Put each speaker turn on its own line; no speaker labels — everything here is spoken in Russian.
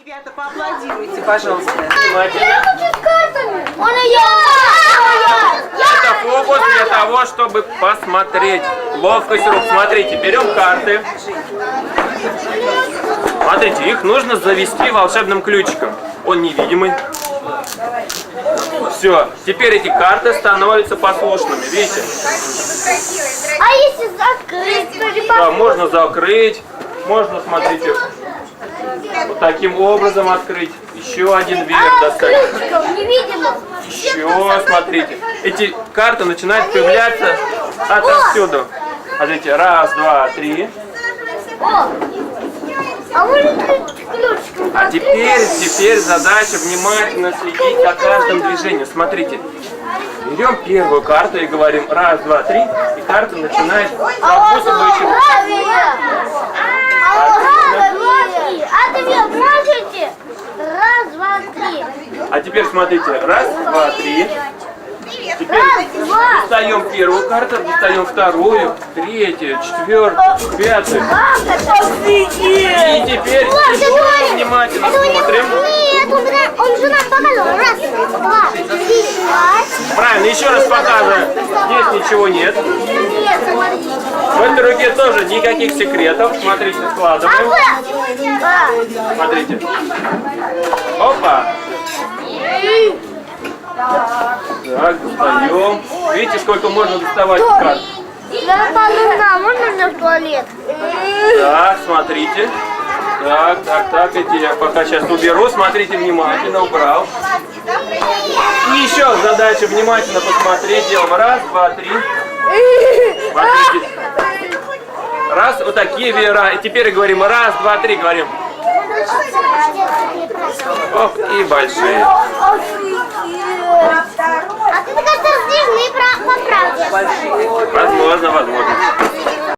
Ребята, поаплодируйте, пожалуйста.
Я хочу с картами.
Это фокус для того, чтобы посмотреть. Ловкость рук. Смотрите, берем карты. Смотрите, их нужно завести волшебным ключиком. Он невидимый. Все, теперь эти карты становятся послушными, видите?
А если закрыть?
Да, можно закрыть, можно, смотрите, вот таким образом открыть. Еще один веер достать.
Ключиком невидимо.
Еще, смотрите, эти карты начинают появляться отовсюду. Смотрите, раз, два, три.
А может ключиком?
А теперь задача внимательно следить за каждым движением. Смотрите, берем первую карту и говорим раз, два, три, и карта начинает как будто бы еще...
А ты мне можете? Раз, два, три.
А теперь смотрите, раз, два, три. Теперь достаем первую карту, достаем вторую, третью, четвертую, пятую. И теперь еще внимательно смотрим.
Нет, он же нам показал. Раз, два, три,
Правильно, еще раз показываем. Здесь ничего нет.
нет, смотрите.
В этой руке тоже никаких секретов. Смотрите, складываем. Смотрите. Опа. Так, достаем. Видите, сколько можно доставать карт?
Можно мне в туалет?
Так, смотрите. Так, эти я пока сейчас уберу. Смотрите внимательно, убрал. И еще задача внимательно посмотреть. Делаем раз, два, три. Смотрите. Раз, вот такие веера. И теперь говорим раз, два, три, говорим. Оп, и большие.
А ты, кажется, раздвижные по правде.
Возможно.